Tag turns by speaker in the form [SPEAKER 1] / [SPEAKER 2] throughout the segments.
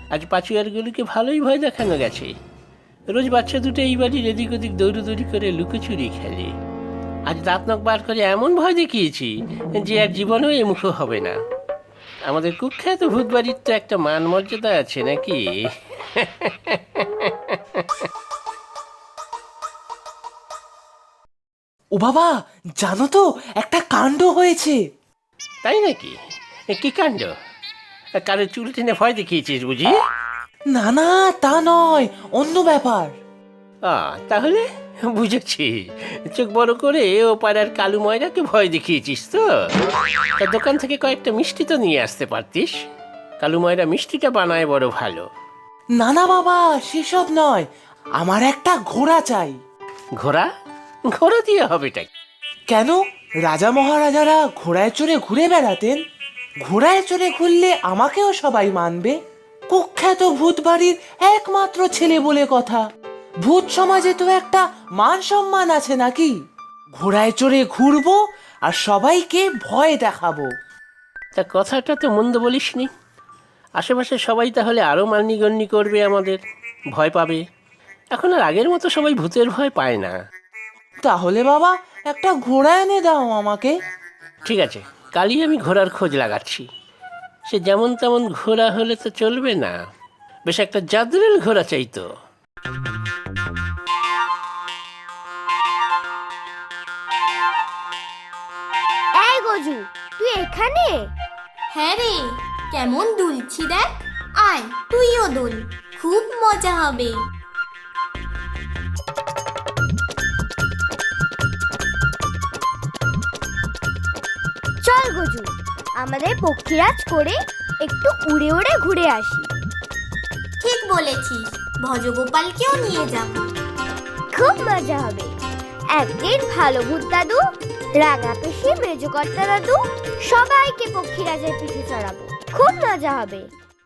[SPEAKER 1] আজ পাচুয়ারগুলোকে ভালোই ভয় দেখানো গেছে। রোজ বাচ্চা দুটো এই বাড়ির এদিক ওদিক দৌড়ি করে লুকোচুরি খেলে। আজ দাঁত নখ বার করে এমন ভয় দেখিয়েছি যে আর জীবনেও এমুখো হবে না। আমাদের কুখ্যাত ভূত বাড়ির তো একটা মান মর্যাদা আছে নাকি?
[SPEAKER 2] ও বাবা, জানো তো একটা কাণ্ড হয়েছে।
[SPEAKER 1] তাই নাকি? কি কাণ্ড? কারো চুল টেনে ভয় দেখিয়েছিস বুঝি?
[SPEAKER 2] না না, তা নয়, অন্য ব্যাপার।
[SPEAKER 1] তাহলে বুঝেছি, চোখ বড় করে ও পাড়ার কালু ময়রাকে ভয় দেখিয়েছিস তো? তার দোকান থেকে কয়েকটা মিষ্টি তো নিয়ে আসতে পারতিস। কালু ময়রা মিষ্টিটা বানায় বড় ভালো।
[SPEAKER 2] না না বাবা, সেসব নয়, আমার একটা ঘোড়া চাই।
[SPEAKER 1] ঘোড়া? ঘোড়া দিয়ে হবেটা কি?
[SPEAKER 2] কেন, রাজা মহারাজারা ঘোড়ায় চড়ে ঘুরে বেড়াতেন। ঘোড়ায় চড়ে ঘুরলে আমাকেও সবাই মানবে। কুখ্যাত ভূত বাড়ির একমাত্র ছেলে বলে কথা। ভূত সমাজে তো একটা মান সম্মান আছে নাকি? ঘোড়ায় চড়ে ঘুরবো আর সবাইকে ভয় দেখাবো।
[SPEAKER 1] তা কথাটা তো মন্দ বলিসনি। আশেপাশে সবাই তাহলে আরও মান্যিগণ্যি করবে, আমাদের ভয় পাবে। এখন আর আগের মতো সবাই ভূতের ভয় পায় না।
[SPEAKER 2] তাহলে বাবা, একটা ঘোড়া এনে দাও আমাকে।
[SPEAKER 1] ঠিক আছে, কালই আমি ঘোড়ার খোঁজ লাগাচ্ছি। সে যেমন তেমন ঘোড়া হলে তো চলবে না, বেশ একটা জাদরেল ঘোড়া চাই তো।
[SPEAKER 3] এই গজু, তুই এখানে?
[SPEAKER 4] হ্যাঁ রে, কেমন দুলছি দেখ। আয় তুইও দোল, খুব মজা হবে।
[SPEAKER 3] চল গজু, আমাদের পক্ষীরাজ করে একটু উড়ে উড়ে ঘুরে আসি।
[SPEAKER 4] ঠিক বলেছিস, ভজগোপালকেও নিয়ে যাব।
[SPEAKER 3] খুব মজা হবে। একদিন ভালো ভূত দাদু, রাঙা পেশি, মেজকর্তা দাদু সবাইকে পক্ষীরাজের পিঠে চড়াবো। খুব মজা হবে।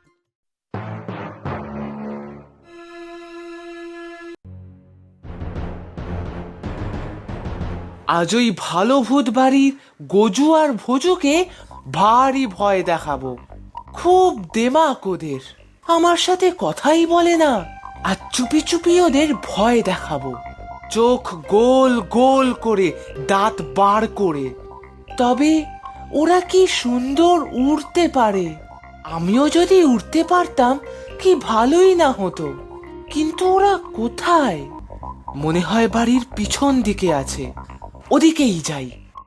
[SPEAKER 2] আজ ওই ভালো ভূত বাড়ির গজু আর ভোজুকে ভারী ভয় দেখাবো। খুব দেমাক ওদের, আমার সাথে কথাই বলে না। আর চুপি চুপি ওদের ভয় দেখাবো, চোখ গোল গোল করে, দাঁত বার করে। তবে ওরা কি সুন্দর উড়তে পারে। আমিও যদি উড়তে পারতাম কি ভালোই না হতো। কিন্তু ওরা কোথায়? মনে হয় বাড়ির পিছন দিকে আছে, ওদিকেই যাই।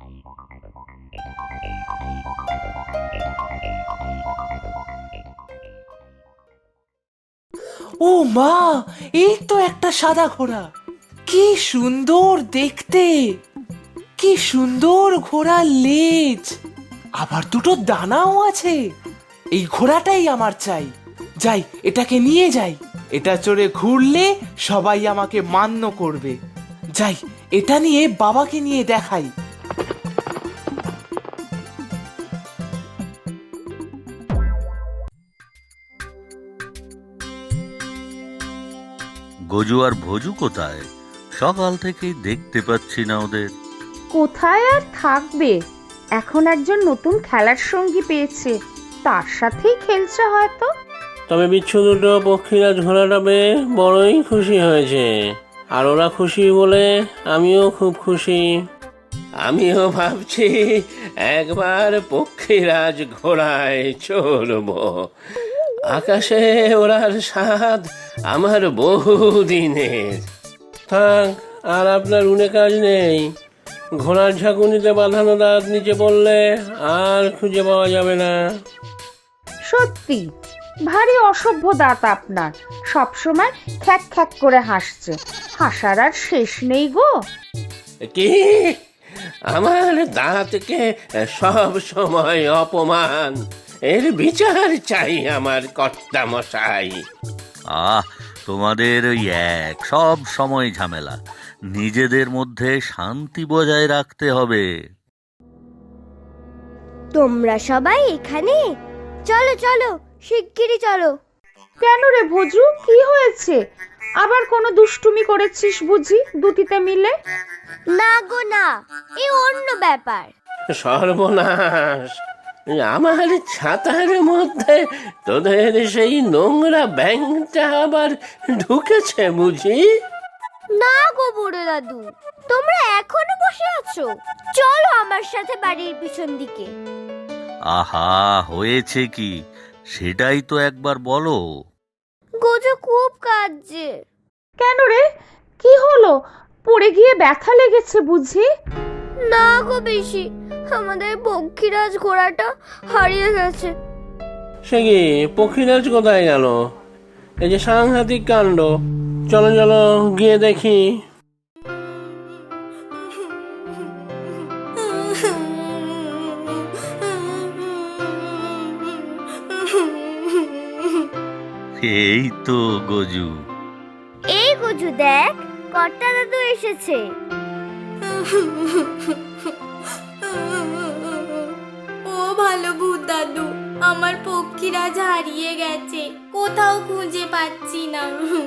[SPEAKER 2] ও মা, এই তো একটা সাদা ঘোড়া। কি সুন্দর দেখতে, কি সুন্দর ঘোড়ার লেজ, আবার দুটো দানাও আছে। এই ঘোড়াটাই আমার চাই। যাই, এটাকে নিয়ে যাই। এটা চড়ে ঘুরলে সবাই আমাকে মান্য করবে। যাই, এটা নিয়ে বাবাকে নিয়ে দেখাই।
[SPEAKER 5] গজু আর ভোজু কোথায়? সকাল থেকেই দেখতে পাচ্ছি না ওদের।
[SPEAKER 6] কোথায় আর থাকবে, এখন একজন নতুন খেলার সঙ্গী পেয়েছে, তার সাথেই খেলছে হয়তো।
[SPEAKER 1] তবে বিচ্ছু দুটো পক্ষীরাজ ঘোড়াটা পেয়ে বড়ই খুশি হয়েছে। আর ওরা খুশি বলে আমিও খুব খুশি। আমিও ভাবছি একবার পক্ষীরাজ ঘোড়ায় চড়বো। আকাশে ওড়ার স্বাদ আমার বহুদিনের। থাক, আর আপনার উনে কাজ নেই। ঘোড়ার ঝাঁকুনিতে বাঁধানো দাঁত নিচে পড়লে আর খুঁজে পাওয়া যাবে না।
[SPEAKER 6] সত্যি ভারী অসভ্য দাঁত আপনার, সবসময় খ্যাক খ্যাক করে হাসছে। হাসার আর শেষ নেই গো।
[SPEAKER 1] কি? আমার দাঁতকে সব সময় অপমান, এর বিচার চাই আমার কর্তা মশাই।
[SPEAKER 5] তোমাদের ওই এক সব সময় ঝামেলা। নিজেদের মধ্যে শান্তি বজায় রাখতে হবে।
[SPEAKER 3] তোমরা সবাই এখানে? চলো চলো, শিগগিরই চলো।
[SPEAKER 6] কেন রে ভোজু, কি হয়েছে? আবার কোনো দুষ্টুমি করেছিস বুঝি দুটিতে মিলে?
[SPEAKER 3] না গো না, এই অন্য ব্যাপার।
[SPEAKER 1] সর্বনাশ, আমার ছাতার মধ্যে তোদের সেই নোংরা ব্যাঙটা আবার ঢুকেছে বুঝি?
[SPEAKER 3] না গো বুড়ো দাদু, তোমরা এখনো বসে আছো? চলো আমার সাথে বাড়ির পিছন দিকে।
[SPEAKER 5] আহা, হয়েছে কি সেটাই তো একবার বলো।
[SPEAKER 3] গোজো খুব কাঁদছে।
[SPEAKER 6] কেন রে, কি হলো? পড়ে গিয়ে ব্যথা লেগেছে বুঝি?
[SPEAKER 3] না গো বেশি, আমাদের পক্ষীরাজ ঘোড়াটা হারিয়ে গেছে।
[SPEAKER 1] সে কি পক্ষীরাজ কোথায় গেল? এই যে সাংঘাতিক কাণ্ড! চলো চলো গিয়ে দেখি।
[SPEAKER 5] এই তো গজু।
[SPEAKER 3] এই গোজু দেখ, কর্তা দাদু এসেছে।
[SPEAKER 4] ও ভালো ভূত দাদু, আমার পক্ষীরাজ হারিয়ে গেছে, কোথাও খুঁজে পাচ্ছি না।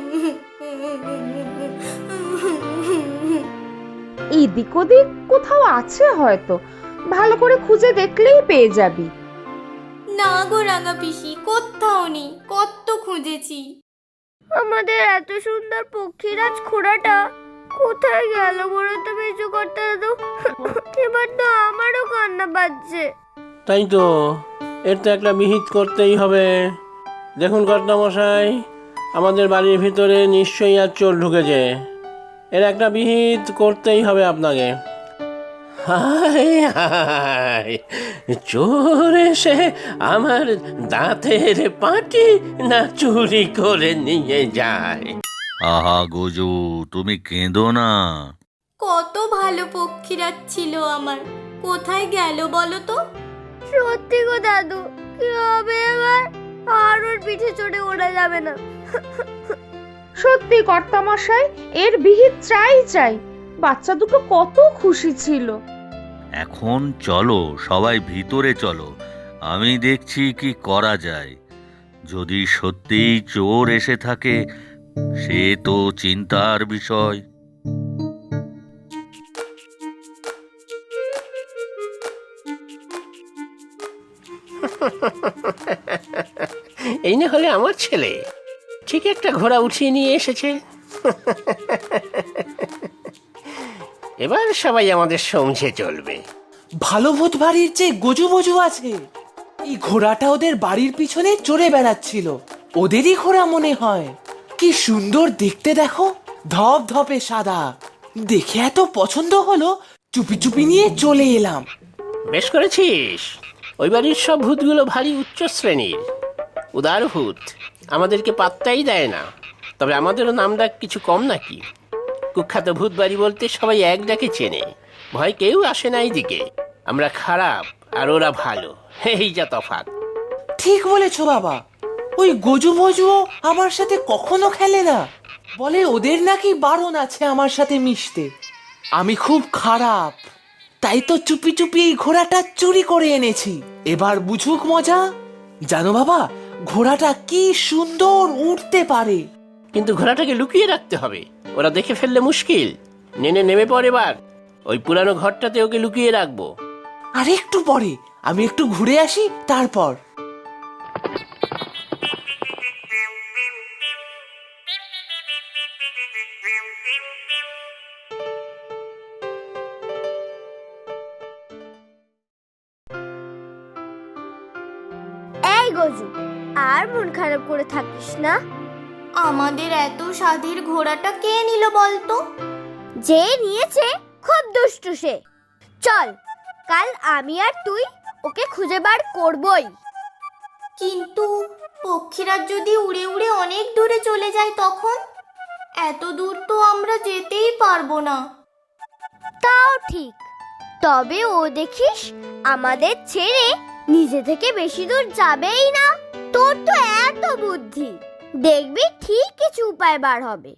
[SPEAKER 6] এদিক ওদিক কোথাও আছে হয়তো, ভালো করে খুঁজে দেখলেই পেয়ে যাবি।
[SPEAKER 4] না গো রাঙা পিসি, কোথাও নেই, কত খুঁজেছি।
[SPEAKER 3] আমাদের এত সুন্দর পক্ষীরাজ ঘোড়াটা কোথায় গেল বলো তো মেজো কর্তা দাদু? এবার তো আমারও কান্না পাচ্ছে।
[SPEAKER 1] তাই তো, এর তো একটা বিহিত করতেই হবে। দেখুন কর্তামশাই, আমাদের বাড়ির ভিতরে নিশ্চয়ই আর চোর ঢুকেছে। এর একটা বিহিত করতেই হবে আপনাকে। হায় হায়, চোর এসে আমার দাঁতের পাটি না চুরি করে নিয়ে যায়?
[SPEAKER 5] আহা গজু, তুমি কেঁদো না।
[SPEAKER 4] কত ভালো পক্ষীরাজ ছিল আমার, কোথায় গেল বলো তো?
[SPEAKER 3] সত্যি গো দাদু, কি হবে এবার? আর ওর পিঠে চড়ে ওড়া যাবে না।
[SPEAKER 6] সত্যি কর্তামশাই, এর বিহিত চাই চাই। বাচ্চা দুটো কত খুশি ছিল।
[SPEAKER 5] এখন চলো সবাই ভিতরে চলো, আমি দেখছি কি করা যায়। যদি সত্যিই চোর এসে থাকে সে তো চিন্তার বিষয়।
[SPEAKER 1] এই না হলে আমার ছেলে ঠিক একটা ঘোড়া উঠিয়ে নিয়ে এসেছে। এবার সবাই আমাদের সমঝে চলবে।
[SPEAKER 2] ভালো ভূত বাড়ির যে গজু বজু আছে, এই ঘোড়াটা ওদের বাড়ির পিছনে চড়ে বেড়াচ্ছিল। ওদেরই ঘোড়া মনে হয়। কি সুন্দর দেখতে দেখো, ধপ ধপে সাদা। দেখে এত পছন্দ হলো, চুপি চুপি নিয়ে চলে এলাম।
[SPEAKER 1] বেশ করেছিস। ওই বাড়ির সব ভূতগুলো ভারী উচ্চ শ্রেণীর, উদার ভূত, আমাদেরকে পাত্তাই দেয় না। তবে আমাদেরও নাম ডাক কিছু কম নাকি? কুখ্যাত ভূত বাড়ি বলতে সবাই এক ডাকে চেনে, ভয় কেউ আসে না এইদিকে। আমরা খারাপ আর ওরা ভালো, এই যা তফাৎ।
[SPEAKER 2] ঠিক বলেছো বাবা। ওই গজু বজুও আমার সাথে কখনো খেলে না, বলে ওদের নাকি বারণ আছে আমার সাথে মিশতে। আমি খুব খারাপ, তাই তো চুপি চুপি এই ঘোড়াটা চুরি করে এনেছি। এবার বুঝুক মজা। জানো বাবা, ঘোড়াটা কি সুন্দর উঠতে পারে।
[SPEAKER 1] কিন্তু ঘোড়াটাকে লুকিয়ে রাখতে হবে, ওরা দেখে ফেললে মুশকিল। নেমে পড়ে এবার ওই পুরানো ঘরটাতে ওকে লুকিয়ে রাখবো।
[SPEAKER 2] আর একটু পরে আমি একটু ঘুরে আসি, তারপর।
[SPEAKER 3] এই গজু, আর মন খারাপ করে থাকিস না।
[SPEAKER 4] আমাদের এত স্বাদের ঘোড়াটা কে নিল বলতো?
[SPEAKER 3] যে নিয়েছে খুব দুষ্টু সে। চল, কাল আমি আর তুই ওকে খুঁজে বার করবই।
[SPEAKER 4] কিন্তু পক্ষীরাজ যদি উড়ে উড়ে অনেক দূরে চলে যায় তখন? এত দূর তো আমরা যেতেই পারবো না।
[SPEAKER 3] তাও ঠিক, তবে ও দেখিস আমাদের ছেড়ে নিজে থেকে বেশি দূর যাবেই না। তোর তো এত বুদ্ধি, দেখবি ঠিক কিছু উপায় বার হবে।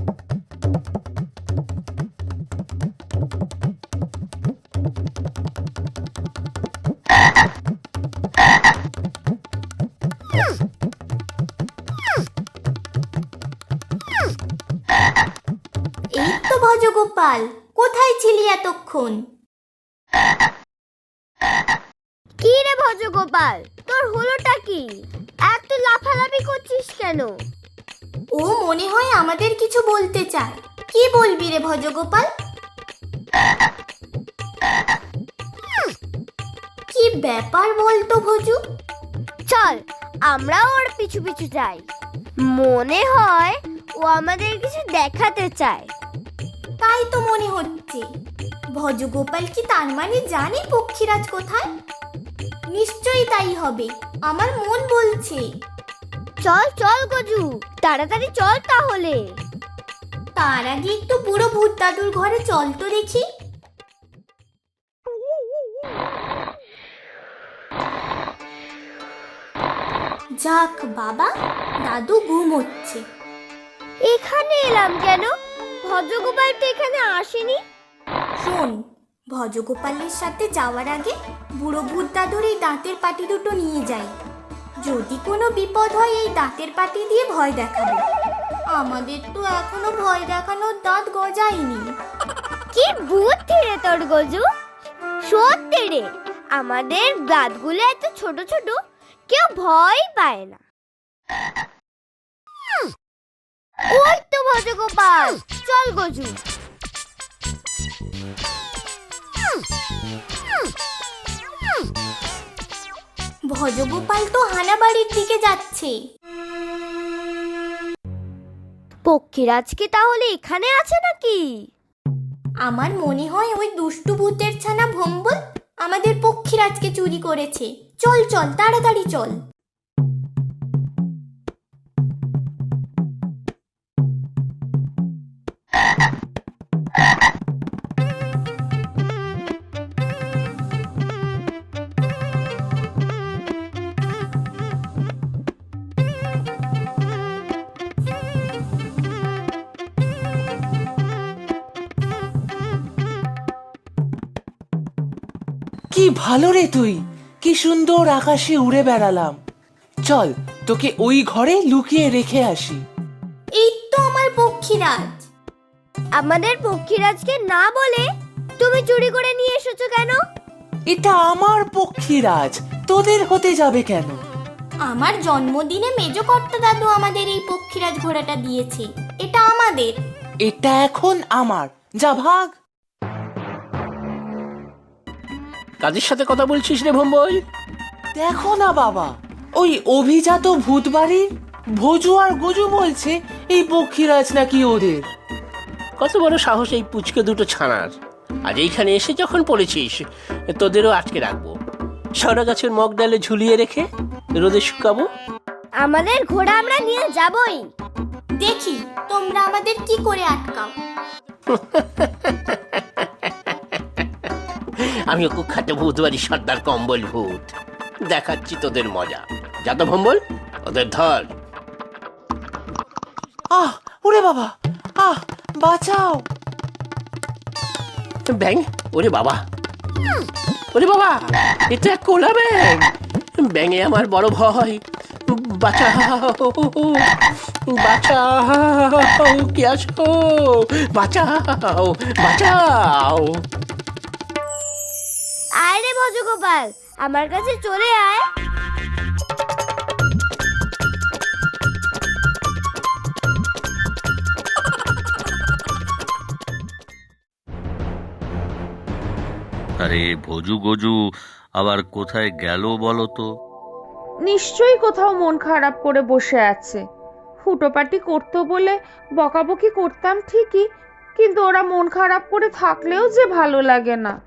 [SPEAKER 4] এই তো ভজগোপাল, কোথায় ছিলি এতক্ষণ?
[SPEAKER 3] কি রে ভজগোপাল, তোর হলোটা কি? এত লাফালাফি করছিস কেন?
[SPEAKER 4] ও মনে হয় আমাদের কিছু বলতে চায়। কি বলবি রে ভজগোপাল? কি ব্যাপার বলতো ভজু?
[SPEAKER 3] চল আমরাও ওর পিছু পিছু যাই। মনে হয় ও আমাদের কিছু দেখাতে চায়।
[SPEAKER 4] তাই তো মনে হচ্ছে। ভজগোপাল কি তার মানে জানে পক্ষীরাজ কোথায়? নিশ্চয়ই তাই হবে, আমার মন বলছে।
[SPEAKER 3] চল চল গজু, তাড়াতাড়ি চল তাহলে।
[SPEAKER 4] তার আগে একটু বুড়ো ভূত দাদুর ঘরে চল তো দেখি। যাক বাবা, দাদু ঘুমোচ্ছে।
[SPEAKER 3] এখানে এলাম কেন? ভজগোপাল তো এখানে আসেনি।
[SPEAKER 4] শোন, ভজগোপালের সাথে যাওয়ার আগে বুড়ো ভূত দাদুর এই দাঁতের পাটি দুটো নিয়ে যাই। যদি কোনো বিপদ হয় এই দাঁতের পাটি দিয়ে ভয় দেখাবে। আমাদের তো এখনো ভয় দেখানোর দাঁত গজায়নি।
[SPEAKER 3] কি বুদ্ধি রে তোর গজু! সত্যি রে, আমাদের দাঁতগুলো এত ছোট ছোট, কেউ ভয় পায় না। ওই তো ভজগোপাল, চল গজু।
[SPEAKER 4] ভজগোপাল তো হানাবাড়ির দিকে যাচ্ছে।
[SPEAKER 3] পক্ষীরাজ কি তাহলে এখানে আছে নাকি?
[SPEAKER 4] আমার মনে হয় ওই দুষ্টু ভূতের ছানা ভম্বল আমাদের পক্ষীরাজকে চুরি করেছে। চল চল, তাড়াতাড়ি চল।
[SPEAKER 2] কি ভালো রে তুই, কি সুন্দর আকাশে উড়ে বেড়ালাম। চল তোকে ওই ঘরে লুকিয়ে রেখে আসি।
[SPEAKER 4] এই তো আমার পক্ষীরাজ।
[SPEAKER 3] আমাদের পক্ষীরাজকে না বলে তুমি চুরি করে নিয়ে এসেছো কেন?
[SPEAKER 2] এটা আমার পক্ষীরাজ, তোদের হতে যাবে কেন?
[SPEAKER 4] আমার জন্মদিনে মেজ কর্তা দাদু আমাদের এই পক্ষীরাজ ঘোড়াটা দিয়েছে। এটা আমাদের।
[SPEAKER 2] এটা এখন আমার, যা ভাগ।
[SPEAKER 1] কাদের সাথে কথা বলছিস রে ভম্বল?
[SPEAKER 2] দেখো না বাবা, ওই অভিজাত ভূত বাড়ির ভোজু আর গজু বলছে এই পক্ষীরাজ নাকি ওদের।
[SPEAKER 1] কত বড় সাহস এই পুচকে দুটো ছানার! আজ এইখানে এসে যখন পড়েছিস, তোদেরও আটকে রাখবো। সরা গাছের মগ ডালে ঝুলিয়ে রেখে রোদে শুকাবো।
[SPEAKER 3] আমাদের ঘোড়া আমরা নিয়ে যাবই।
[SPEAKER 4] দেখি তোমরা আমাদের কি করে আটকাও।
[SPEAKER 1] আমি কুখ্যাত ভূত বাড়ির সর্দার কম্বল ভূত, দেখাচ্ছি তোদের মজা। যা তো ভম্বল, ওদের ধর।
[SPEAKER 2] আহ ওরে বাবা, আহ বাঁচাও।
[SPEAKER 1] ব্যাং, ওরে বাবা, ওরে বাবা, এটা এক কোলা ব্যাং। ব্যাঙে আমার বড় ভয়। বাঁচাও, বাঁচাও, কি আছো? বাঁচাও, বাঁচাও।
[SPEAKER 3] আয় রে ভজগোপাল, আমার কাছে চলে আয়।
[SPEAKER 5] আরে ভজু গজু আবার কোথায় গেল বলো তো?
[SPEAKER 6] নিশ্চয়ই কোথাও মন খারাপ করে বসে আছে। ফুটোপাটি করতো বলে বকাবকি করতাম ঠিকই, কিন্তু ওরা মন খারাপ করে থাকলেও যে ভালো লাগে না।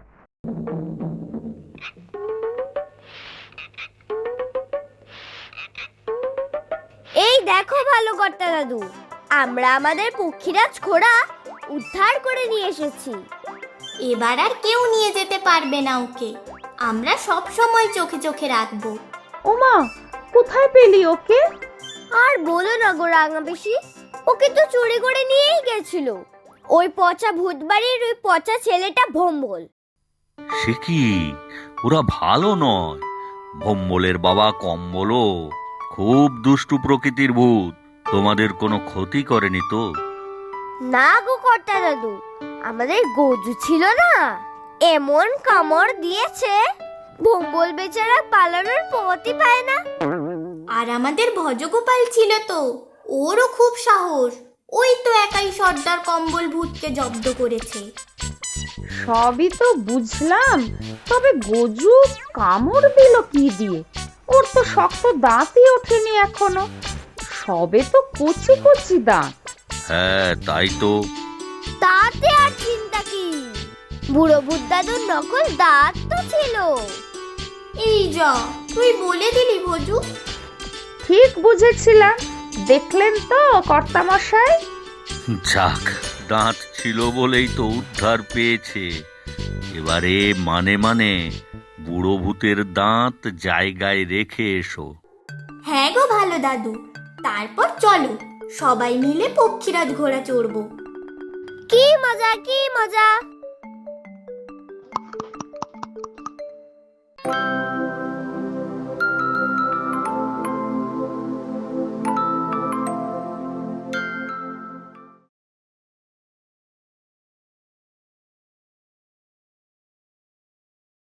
[SPEAKER 3] এই দেখো ভালো কর্তা দাদু, আমরা আমাদের পক্ষীরাজ ঘোড়া উদ্ধার করে নিয়ে এসেছি।
[SPEAKER 4] এবার আর কেউ নিয়ে যেতে পারবে না ওকে। আমরা সব সময় চোখে চোখে রাখবো।
[SPEAKER 6] ওমা, কোথায় পেলি ওকে?
[SPEAKER 3] আর বলো না গো রাঙা বেশি, ওকে তো চুরি করে নিয়েই গেছিল ওই পচা ভূতবাড়ির ওই পচা ছেলেটা ভম্বল।
[SPEAKER 5] সে কি, ওরা ভালো নয়। ভম্বলের বাবা কম্বলও খুব দুষ্টু প্রকৃতির ভূত। তোমাদের কোনো ক্ষতি করেনি তো?
[SPEAKER 3] না গো কর্তা দাদু, আমাদের গজু ছিল না, এমন কামড় দিয়েছে ভোম্বল বেচারা পালানোর পথই পায় না।
[SPEAKER 4] আর আমাদের ভজগোপাল ছিল তো, ওরও খুব সাহস। ওই তো একাই সর্দার কম্বল ভূতকে জব্দ করেছে।
[SPEAKER 6] সবই তো বুঝলাম, তবে গজু কামড় দিল কি দিয়ে? ওর তো শক্ত দাঁতই ওঠেনি এখনো, সবে তো কচি কচি দাঁত।
[SPEAKER 5] হ্যাঁ তাই তো।
[SPEAKER 3] তাতে আর চিন্তা কি, বুড়ো ভূত দাদুর নকল দাঁত তো ছিল।
[SPEAKER 4] এই যা, তুই বলে দিলি ভজু।
[SPEAKER 6] ঠিক বুঝেছিলাম, দেখলেন তো কর্তামশাই?
[SPEAKER 5] যাক, দাঁত ছিল বলেই তো উদ্ধার পেয়েছে। এবারে মানে মানে বুড়ো ভূতের দাঁত জায়গায় রেখে এসো।
[SPEAKER 4] হ্যাঁ গো ভালো দাদু, তারপর চলো সবাই মিলে পক্ষীরাজ ঘোড়া চড়বো।
[SPEAKER 3] কি মজা, কি মজা।